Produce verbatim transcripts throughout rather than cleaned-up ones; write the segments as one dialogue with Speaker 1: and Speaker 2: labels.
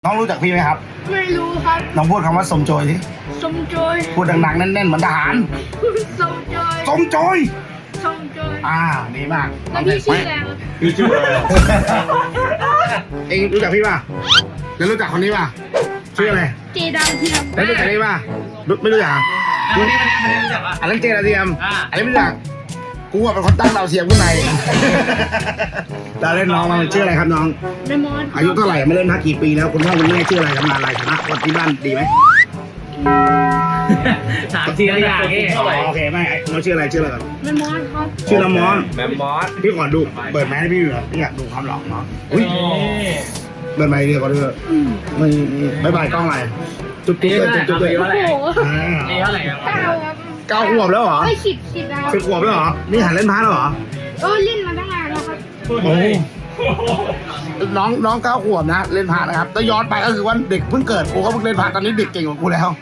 Speaker 1: น้องรู้จักพี่ไหมครับ
Speaker 2: ไม่รู้ครับ
Speaker 1: น้องพูดคำว่าสมโจยสิ
Speaker 2: สมโจย
Speaker 1: พูดดังๆแน่นๆเหมือนทหาร
Speaker 2: สมโจย
Speaker 1: สมโจย
Speaker 2: สมโจย
Speaker 1: อ่าดีมาก
Speaker 2: แล้วพี่ชื่ออะไรครับ
Speaker 1: พี่ชื่ออะไรเองรู้จักพี่ป่ะแล้วรู้จักคนนี้ป่ะชื่ออะไร
Speaker 2: เจดาวเทียม
Speaker 1: แล้วรู้จักนี่ป่ะไม่รู้จักอันนี้อันนี้รู้จักป่ะอันนั้นเจดาวเทียมอันนี้ไม่รู้จักกูอ่ะเป็นคนตั้งดาวเทียมข้างในเราเล่นน้องมาชื่ออะไรครับน้อง
Speaker 2: เดมอน
Speaker 1: อายุเท่าไหร่ไม่เล่นพักกี่ปีแล้วคุณพ่อคุณแม่ชื่ออะไรทำงานอะไรฐานะคนที่บ้านดีไหม
Speaker 3: ถามทีละอย่างเอง
Speaker 1: โอเคไม่เราชื่ออะไรชื่ออะไรก่อน
Speaker 2: เดมอนครับ
Speaker 1: ชื่อละมอน
Speaker 3: แมมมอส
Speaker 1: พี่ขอดูเปิดแมสให้พี่เหรอพี่อยากดูความหล่อเนาะอุ้ยเปิดไมค์เดียวก็ได้ไม่ไม่บายกล้องอะไรจุ๊บจุ๊บเลยจุ๊บจุ๊บเลย
Speaker 2: โอ้โห
Speaker 3: นี่เท่าไหร่ครับ
Speaker 2: เก้าครับ
Speaker 1: เก้าขวบแล้วเหรอ
Speaker 2: ไม่สิบสิบแล้ว
Speaker 1: สิบขวบแล้วเหรอนี่หันเล่นพาร์ทแล้วเหรอ
Speaker 2: เออเล่นมาตั้งนานแล้วครับ
Speaker 1: โอ้น้องน้องเก้าขวบนะเล่นพาร์ทนะครับแต่ย้อนไปก็คือว่าเด็กเพิ่งเกิดกูก็เพิ่งเล่นพาร์ทตอนนี้เด็กเก่งกว่ากูแล้ว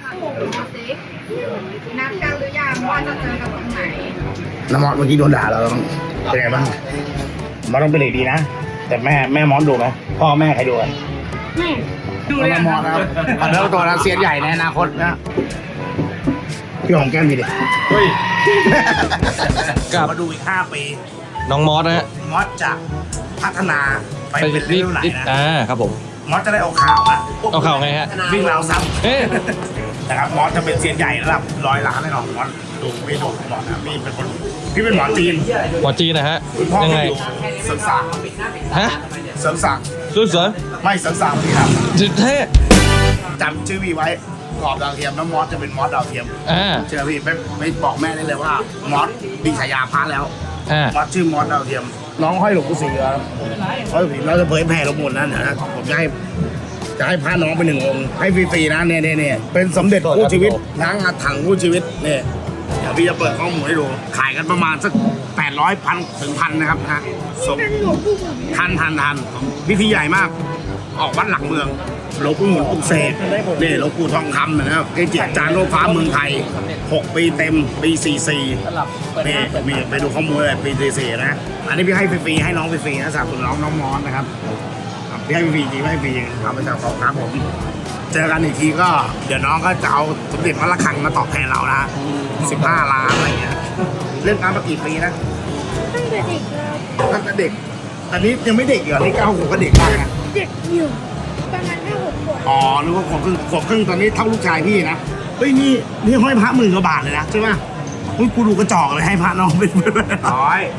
Speaker 2: นัดกันหรือยังว่าจะเจอกันตรงไหน
Speaker 1: น้ำมอสเมื่อกี้โดนด่าเราเป็นไงบ้างมอสต้องเป็นเด็กดีนะแต่แม่แม่มอสดูไหมพ่อแม่ใครดูกัน
Speaker 2: แม่
Speaker 1: ดูเลยมอสนะครับอันนี้ตัวนักเซียนใหญ่ในอนาคตนะพี่ของแก้มดีดิเฮ้ยกลับมาดูอีกห้าปี
Speaker 4: น้องมอสนะฮะ
Speaker 1: มอสจะพัฒนาไปเป็นเรื่องไหนนะ
Speaker 4: อ่าครับผม
Speaker 1: มอสจะได้เอาข่าวนะ
Speaker 4: เอาข่าวไงฮะ
Speaker 1: วิ่งราวซ้ำนะครับมอสจะเป็นเซียนใหญ่ระดับร้อยล้านแน่นอนมอสดูพี่ดูหมอนะพี่เป็นคนพี่เป็นหมอจีน
Speaker 4: หมอจีนนะฮะ
Speaker 1: ยังไงเสริมสร้าง
Speaker 4: ฮะ
Speaker 1: เสริมสร้าง
Speaker 4: สุดเสริม
Speaker 1: ไม่เสริมสร้างพี่ครับ
Speaker 4: จุดเท่
Speaker 1: จำชื่อพี่ไว้กรอบดาวเทียมน้องมอสจะเป็นมอสดาวเทียม
Speaker 4: อ่า
Speaker 1: เชื่อพี่ไม่ไม่บอกแม่ได้เลยว่ามอสมีฉายาพระแล้วมอสชื่อมอสดาวเทียมน้องห้อยหลวงปู่ศรีครับห้อยหลวงปู่เราจะเผยแผ่หลวงปู่นั่นนะผมจะให้จะให้พาน้องไปหนึ่งองค์ให้ฟรีๆนะเนี่ยเนี่ยเนี่ยเป็นสมเด็จคู่ชีวิตล้างอาถรรพ์คู่ชีวิตเนี่ยเดี๋ยวพี่จะเปิดข้อมูลให้ดูขายกันประมาณสักแปดร้อยพันถึงพันนะครับนะทันทันทันพิธีใหญ่มากออกวัดหลักเมืองหลวงปู่หมุนปลุกเสกนี่หลวงปู่ทองคำนะครับเกจิอาจารย์โลกฟ้าเมืองไทยหกปีเต็มปีสี่สี่นี่มีไปดูข้อมูลเลยปีสี่สี่นะอันนี้พี่ให้ฟรีๆให้น้องฟรีๆนะสำหรับน้องน้องมอสนะครับพี่ให้ฟรีจริงให้ฟรีทำไปจากของครับผมเจอกันอีกทีก็เดี๋ยวน้องก็จะเอาสมเด็จวัดระฆังมาตอบแทนเรานะสิบห้าล้านอะไรเงี้ยเล่นการมากี่ปีนะ
Speaker 2: ตั้งแต่เด็กแล้ว
Speaker 1: ตั้งแต่เด็กอันนี้ยังไม่เด็กเหรอนี่เก้าขวบก็เด็กมากนะ
Speaker 2: เด็กอยู่ประมาณห้าหกขวบ
Speaker 1: อ๋อหรือว่าขวบครึ่งขวบครึ่งตอนนี้เท่าลูกชายพี่นะเฮ้ยนี่นี่ห้อยพระหมื่นกว่าบาทเลยนะใช่ไหมอุ้ยกูดูกระจอกเลยให้พระน้องเป็นร้อย